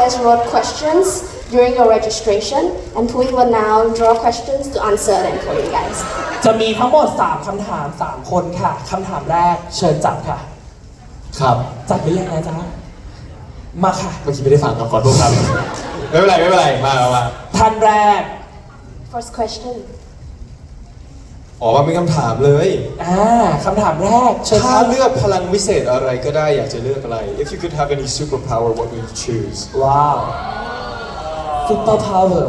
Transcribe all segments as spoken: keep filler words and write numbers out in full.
guys wrote questions during your registration, and Pui will now draw questions to answer them for you guys. จะมีทั้งหมดสามคำถามสามคนค่ะคำถามแรกเชิญจับค่ะครับจับหรือยังนะจ๊ะมาค่ะเมื่อกี้ไม่ได้ฟังครับขอโทษครับ ไม่เป็นไรไม่เป็นไรมามามาท่านแรก First question. อ๋อมามีคำถามเลยอ่าคำถามแรกเชิญคถ้ารับเลือกพลังวิเศษอะไรก็ได้อยากจะเลือกอะไร If you could have any superpower what would you choose ว้าว super power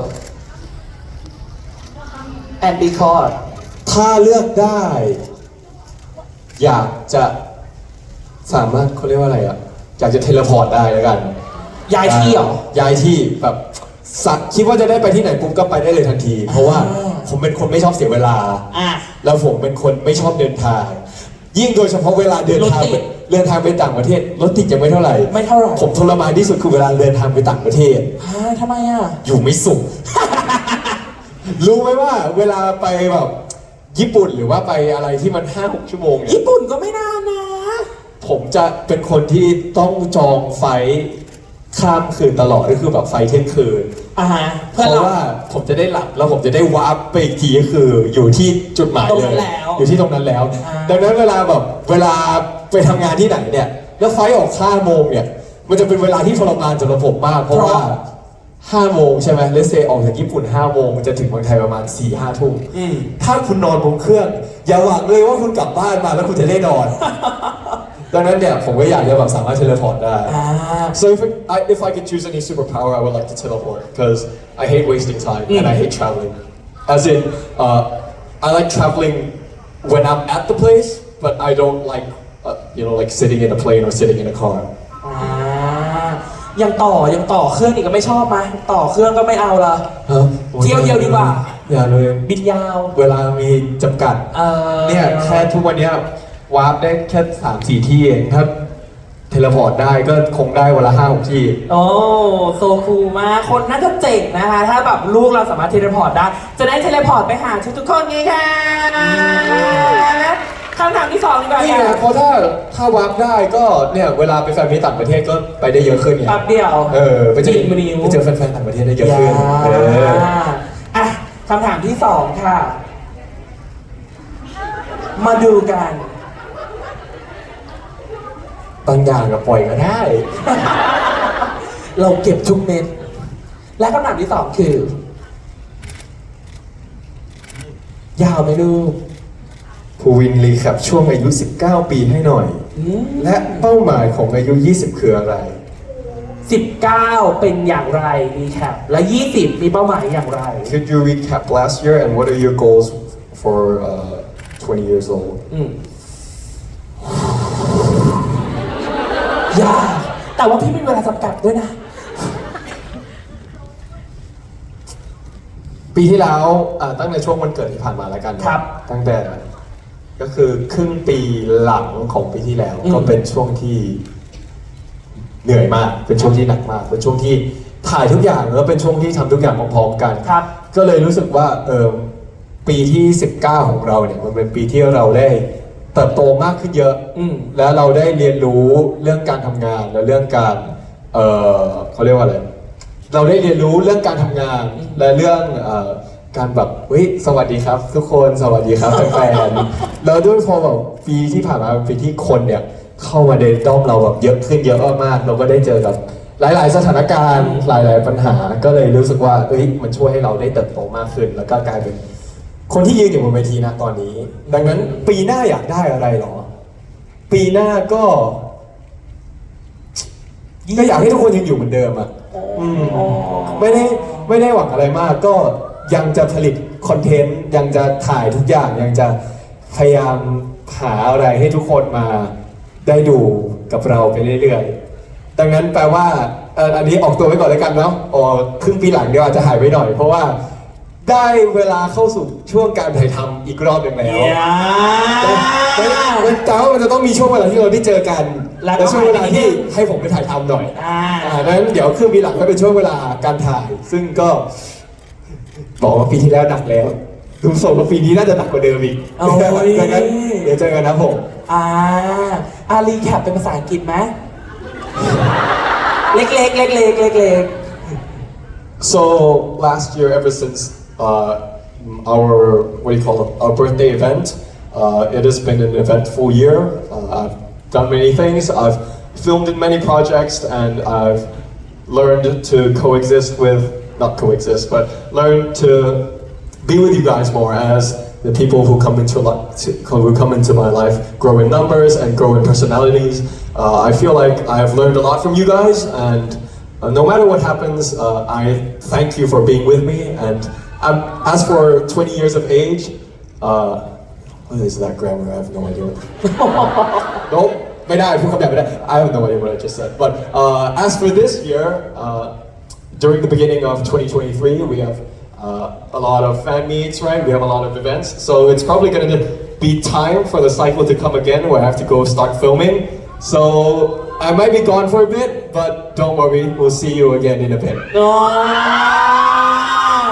and because ถ้าเลือกได้ อยากจะสามารถเขาเรียกว่าอะไรอ่ะอยากจะเทเลพอร์ตได้แล้วกันย้ายที่เหรอย้ายที่แบบสักคิดว่าจะได้ไปที่ไหนปุ๊บก็ไปได้เลยทันที เพราะว่าอ่าผมเป็นคนไม่ชอบเสียเวลาอ่ะแล้วผมเป็นคนไม่ชอบเดินทาง ยิ่งโดยเฉพาะเวลาเดินทางรถติดเดินทางไปต่างประเทศรถติดยังไม่เท่าไหร่ไม่เท่าไหร่ผมทรมานที่สุดคือเวลาเดินทางไปต่างประเทศอ่าทำไมอ่ะอยู่ไม่สุข รู้ไหมว่าเวลาไปแบบญี่ปุ่นหรือว่าไปอะไรที่มัน ห้าหก ชั่วโมงเนี่ยญี่ปุ่นก็ไม่นานนะผมจะเป็นคนที่ต้องจองไฟล์ข้ามคืนตลอดก็คือแบบไฟล์เที่ยงคืนอ่าฮะเพเพื่อราะเราว่าผมจะได้หลับแล้วผมจะได้วาร์ปไปอีกทีก็คืออยู่ที่จุดหมายตรงเลนั้นยแล้วอยู่ที่ตรงนั้นแล้วอ่าดังนั้นเวลาแบบเวลาไปทำงานที่ไหนเนี่ยแล้วไฟล์ออกห้าโมงเนี่ยมันจะเป็นเวลาที่ทรมานสำหรับผมมากเพราะว่าห้าโมงใช่ไหมเลสเซออกจากญี่ปุ่นห้าโมงมันจะถึงเมืองไทยประมาณสี่ห้าทุ่มอืมถ้าคุณนอนบนเครื่อง อย่าหวังเลยว่าคุณกลับบ้านมาแล้วคุณจะได้นอน ดังนั้นเนี่ยผมก็อยากจะแบบสามารถเทเลพอร์ตได้อ่า So if I, if I could choose any superpower, I would like to teleport because I hate wasting time and I hate traveling. As in, uh, I like traveling when I'm at the place, but I don't like, uh, you know, like sitting in a plane or sitting in a car. อ่ายังต่อยังต่อเครื่องอีกก็ไม่ชอบไหมต่อเครื่องก็ไม่เอาละฮะเที่ยวเดียวดีกว่าอย่าเลยบินยาวเวลามีจำกัดเออเนี่ยแค่ทุกวันเนี้ยวาร์ปได้แค่สามสี่ที่เองถ้าเทเลพอร์ตได้ก็คงได้วันละห้าหกที่โอ้โซคูลมากคนน่าจะเจ๋งนะคะ ถ้าแบบลูกเราสามารถเทเลพอร์ตได้ จะได้เทเลพอร์ตไปหาทุกๆคนไงคะคำถามที่สองดีกว่านี่ไงเพราะถ้าถ้าวาร์ปได้ก็เนี่ยเวลาไปแฟนมีตต่างประเทศก็ไปได้เยอะขึ้นไงแป๊บเดียวเออไปเจอจิกมนิ้วไปเจอแฟนๆต่างประเทศได้เยอะขึ้นเอออ่ะคำถามที่สองค่ะ มาดูกันบางอย่างก็ปล่อยก็ได้เราเก็บทุกเม็ด และคำถามที่สองคือ ยาวไหมลูกภูวินรีแคปช่วงอายุสิบเก้าปีให้หน่อยอืมและเป้าหมายของอายุยี่สิบคืออะไรสิบเก้าเป็นอย่างไรรีแคปและยี่สิบมีเป้าหมายอย่างไร Could you recap last year and what are your goals for uh, twenty years old อืมยากแต่ว่าพี่มีเวลาจำกัดด้วยนะปีที่แล้วอ่าตั้งแต่ช่วงวันเกิดที่ผ่านมาแล้วกันนะครับ ตั้งแต่ก็คือครึ่งปีหลังของปีที่แล้วอืมก็เป็นช่วงที่เหนื่อยมาก เป็นช่วงที่หนักมาก เป็นช่วงที่ถ่ายทุกอย่างแล้วเป็นช่วงที่ทำทุกอย่างพร้อมๆกันครับก็เลยรู้สึกว่าเออปีที่สิบเก้าของเราเนี่ยมันเป็นปีที่เราได้เติบโตมากขึ้นเยอะอืมแล้วเราได้เรียนรู้เรื่องการทำงานและเรื่องการเออเขาเรียกว่าอะไร เราได้เรียนรู้เรื่องการทำงานและเรื่องเออการแบบเฮ้ยสวัสดีครับ ทุกคนสวัสดีครับแฟนๆแล้วด้วยพอแบบปีที่ผ่านมาเป็นปีที่คนเนี่ยเข้ามาในด้อมเราแบบเยอะขึ้นเยอะมากๆเราก็ได้เจอกับหลายๆ สถานการณ์หลาย ๆ ปัญหาก็เลยรู้สึกว่าเอ้ยมันช่วยให้เราได้เติบโตมากขึ้น แล้วก็กลายเป็นคนที่ยืนอยู่บนเวทีนะตอนนี้ ดังนั้นปีหน้าอยากได้อะไรหรอ ปีหน้าก็ก็อยากให้ทุกคนยังอยู่เหมือนเดิมอ่ะอืมไม่ได้ไม่ได้หวังอะไรมาก ก็ยังจะผลิตคอนเทนต์ยังจะถ่ายทุกอย่างยังจะพยายามหาอะไรให้ทุกคนมาได้ดูกับเราไปเรื่อยๆดังนั้นแปลว่าเอ่ออันนี้ออกตัวไว้ก่อนแล้วกันเนาะอ๋อครึ่งปีหลังเดี๋ยวอาจจะหายไปหน่อยเพราะว่าได้เวลาเข้าสู่ช่วงการถ่ายทำอีกรอบหนึ่งแล้ว มันแต่ว่ามันจะต้องมีช่วงเวลาที่เราได้เจอกันแล้วก็และช่วงเวลาที่ให้ผมไปถ่ายทำหน่อยอ่าอ่าดังนั้นเดี๋ยวครึ่งปีหลังก็เป็นช่วงเวลาการถ่าย ซึ่งก็บอกว่าปีที่แล้วหนักแล้วดูทรงว่าปีนี้น่าจะหนักกว่าเดิมอีกโอ้ยดังนั้นเดี๋ยวเจอกันนะผมอ่าอารีแคปเป็นภาษาอังกฤษไหมเล็กๆเล็กๆเล็ก So last year, ever since uh, our what do you call it, our birthday event, uh, it has been an eventful year. Uh, I've done many things. I've filmed in many projects, and I've learned to coexist with not coexist, but learn to be with you guys more as the people who come into li- to- who come into my life grow in numbers and grow in personalities. Uh, I feel like I have learned a lot from you guys, and uh, no matter what happens, uh, I thank you for being with me. And um, as for twenty years of age, uh, what is that grammar? I have no idea. Nope, ไม่ได้พูดคำหยาบไม่ได้ I have no idea what I just said. But uh, as for this year, uh, during the beginning of twenty twenty-three, we have uh, a lot of fan meets, right? We have a lot of events. So it's probably going to be time for the cycle to come again where I have to go start filming. So I might be gone for a bit, but don't worry, we'll see you again in a bit. ๆว้าว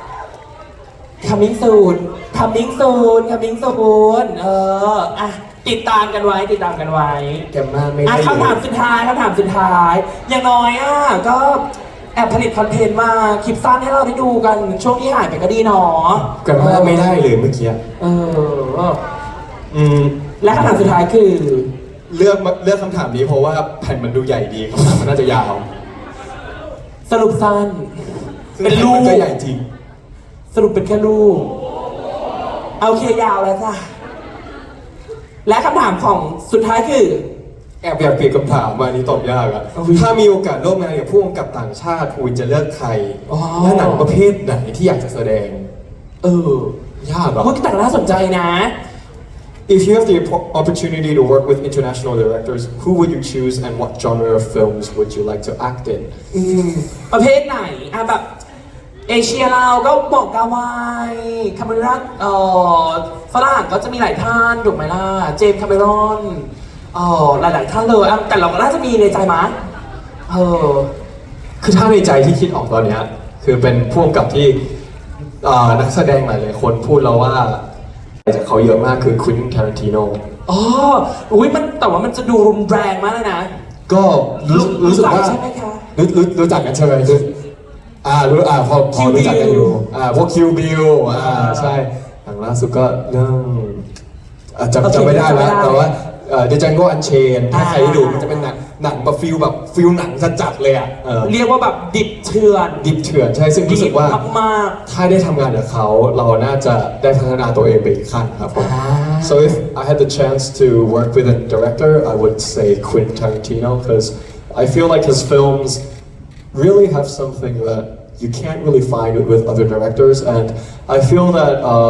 coming soon coming soon coming soon เอออ่ะติดตามกันไว้ติดตามกันไว้แกมมาไม่อ่ะได้คำถามสุดท้ายคำถามสุดท้าย อย่างน้อยอ่ะก็แอบผลิตคอนเทนต์มาคลิปสั้นให้เราได้ดูกันช่วงที่หายไปก็ดีเนาะแกมมาไม่ได้เลยเมื่อกี้เอออืมและคำถามสุดท้ายคือเลือกมาเลือกคำถามนี้เพราะว่าแผ่นมันดูใหญ่ดีคำถามมันน่าจะยาวสรุปสั้น เป็นลูกมันก็ใหญ่จริงสรุปเป็นแค่ลูกเอาโอเคยาวแล้วจ้ะและคำถามของสุดท้ายคือแอบอยากเปลี่ยนคำถามมาอันนี้ตอบยากอะอุ๊ยถ้ามีโอกาสร่วมงานกับผู้กำกับต่างชาติคุณจะเลือกใครอ๋อและหนังประเภทไหนที่อยากจะแสดงเออยากเหรอพูดแต่น่าสนใจนะ If you have the opportunity to work with international directors, who would you choose and what genre of films would you like to act in? อืมประเภทไหนอ่ะแบบเอเชียเราก็บอกกาวายคาเมรอนเอ่อฝรั่งก็จะมีหลายท่านถูกไหมล่ะเจมส์คาเมรอนเอ่อหลายๆท่านเลยอ่ะแต่เราก็น่าจะมีในใจมั้ยเออคือถ้าในใจที่คิดออกตอนเนี้ยคือเป็นผู้กำกับที่อ่านักแสดงหลายๆคนพูดแล้วว่าจากเขาเยอะมากคือควินทารันติโนอ๋ออุ้ยมันแต่ว่ามันจะดูรุนแรงมากเลยนะก็รู้รู้สึกว่าใช่ไหมคะรู้รู้รู้จักกันใช่ไหมรู้อ่ารู้อ่าพอพอ Kill รู้จักกันอยู่ Bill อ่าพวกคิวบิลอ่าใช่หลังล่าสุดก็เรื่องอ่าจำจำไม่ได้แล้วแต่ว่าเดจังโกอันเชนถ้าใครได้ดูมันจะเป็นหนังหนังแบบฟิลแบบฟิลหนังจัดๆเลยอ่ะเออเรียกว่าแบบดิบเถื่อนดิบเถื่อนใช่ซึ่งรู้สึกว่ามากถ้าได้ทำงานกับเขาเราน่าจะได้พัฒนาตัวเองไปอีกขั้นครับผมอ่า So if I had the chance to work with a director I would say Quentin Tarantino because I feel like his films really have something that you can't really find with other directors and I feel that uh,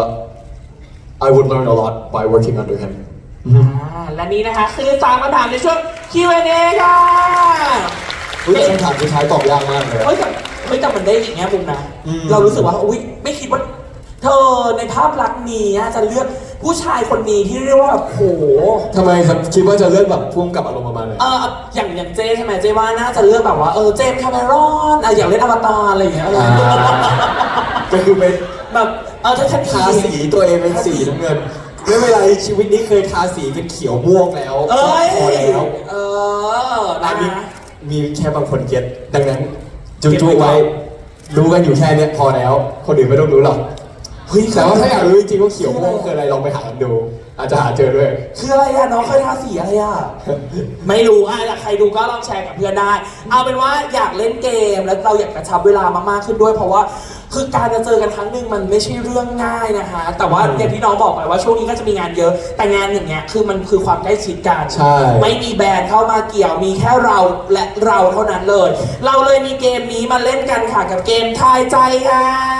I would learn a lot by working under him อ่าและนี้นะคะคือสามคำถามในช่วง คิว แอนด์ เอ ค่ะอุ๊ยแต่คำถามสุดท้ายตอบยากมากเลยเฮ้ยแต่เฮ้ยแต่มันได้อย่างเงี้ยมุมนะอืมเรารู้สึกว่าอุ้ยไม่คิดว่า เธอในภาพลักษณ์นี้อะจะเลือกผู้ชายคนนี้ที่เรียกว่าแบบโหทำไมครับคิดว่าจะเลือกแบบพุ่งกับอารมณ์ประมาณไหนเอออย่างอย่างเจใช่ไหมเจว่าน่าจะเลือกแบบว่าเออเจมส์คาเมรอนอะอยากเล่นอวตารอะไรอย่างเงี้ยเอออ่าก็คือไปแบบเออถ้าฉันทาสีตัวเองเป็นสีน้ำเงินไม่เป็นไรชีวิตนี้เคยทาสีเป็นเขียวม่วงแล้วเอ้ยพอแล้วเอออันะนนี้มีแค่บางคนเก็ตดังนั้นจุ๊ๆไว้รู้กันอยู่แค่เนี้ยพอแล้ว คนอื่นไม่ต้องรู้หรอกเฮ้ยแต่ว่าถ้าอยากรู้จริงๆว่าเขียวม่วงคืออะไรลองไปหากันดู อาจจะหาเจอด้วยคืออะไรอะน้องเคยทาสีอะไรอะ ไม่รู้อะอยากใครดูก็ลองแชร์กับเพื่อนได้ เอาเป็นว่าอยากเล่นเกมแล้วเราอยากกระชับเวลามากๆขึ้นด้วย เพราะว่าคือการจะเจอกันครั้งหนึ่งมันไม่ใช่เรื่องง่ายนะคะ แต่ว่าอย่างที่น้องบอกไปว่าช่วงนี้ก็จะมีงานเยอะ แต่งานอย่างเงี้ยคือมันคือความใกล้ชิดกันใช่ไม่มีแบรนด์เข้ามาเกี่ยวมีแค่เราและเราเท่านั้นเลย เราเลยมีเกมนี้มาเล่นกันค่ะกับเกมทายใจค่ะ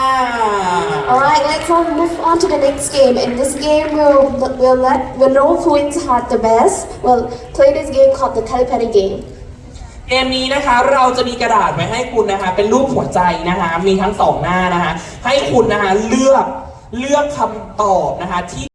Alright, let's all move on to the next game. In this game, we'll, we'll, let, we'll know who is hard the best. We'll play this game called the telepathy game. เกมนี้นะคะเราจะมีกระดาษไว้ให้คุณนะคะเป็นรูปหัวใจนะคะมีทั้งสองหน้านะคะให้คุณนะคะเลือกเลือกคำตอบนะคะที่